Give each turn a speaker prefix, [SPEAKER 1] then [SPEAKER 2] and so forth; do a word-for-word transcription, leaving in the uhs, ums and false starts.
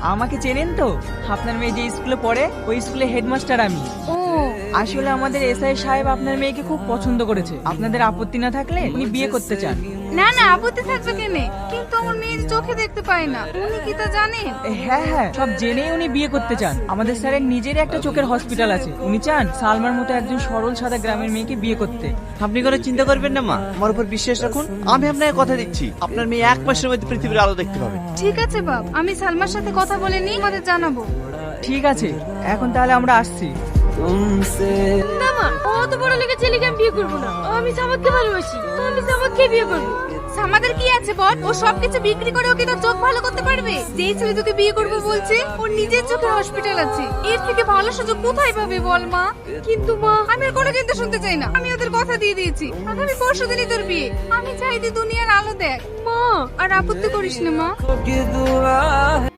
[SPEAKER 1] আমাকে চেনেন তো? আপনার মেয়ে যে স্কুলে পড়ে ওই স্কুলে হেডমাস্টার আমি।
[SPEAKER 2] ও
[SPEAKER 1] আসলে আমাদের এসআই সাহেব আপনার মেয়েকে খুব পছন্দ করেছে। আপনাদের আপত্তি না থাকলে উনি বিয়ে করতে চান।
[SPEAKER 2] না না, আপত্তি থাকবে কেন? কিন্তু আমার মেয়ে যে চোখে দেখতে পায় না, উনি কি তা জানেন?
[SPEAKER 1] হ্যাঁ হ্যাঁ, সব জেনেই উনি বিয়ে করতে চান। আমাদের স্যারের নিজেরই একটা চোখের হসপিটাল আছে। উনি চান সালমার মতো একজন সরল সাদা গ্রামের মেয়েকে বিয়ে করতে।
[SPEAKER 3] আপনি কোনো চিন্তা করবেন না মা, আমার উপর বিশ্বাস রাখুন। আমি আপনাকে কথা দিচ্ছি, আপনার মেয়ে এক মাসের মধ্যে পৃথিবীর আলো দেখতে পাবে।
[SPEAKER 2] ঠিক আছে বাপ, আমি সালমার সাথে কথা বলে নিই, আমাদের জানাবো।
[SPEAKER 1] ঠিক আছে, এখন তাহলে আমরা আসছি।
[SPEAKER 2] না মা, অত বড় লেগে ছেলেকে আমি বিয়ে করবো না। আমি সামাদকে ভালোবাসি, আমি সামাদকে বিয়ে করবো। সামাদের কি আছে বল? ও সবকিছু বিক্রি করে ওকে তার চোখ ভালো করতে পারবে? যেই ছেলে তোকে বিয়ে করবো বলছে, ওর নিজের চোখে হসপিটাল আছে। এর থেকে ভালো সুযোগ কোথায় পাবে বল মা? কিন্তু মা, আমি আর কোনো চিন্তা শুনতে চাই না। আমি ওদের কথা দিয়ে দিয়েছি, আগামী পরশু দিনই তোর বিয়ে। আমি চাই তুই দুনিয়ার আলো দেখ মা, আর আপত্তি করিস না মা।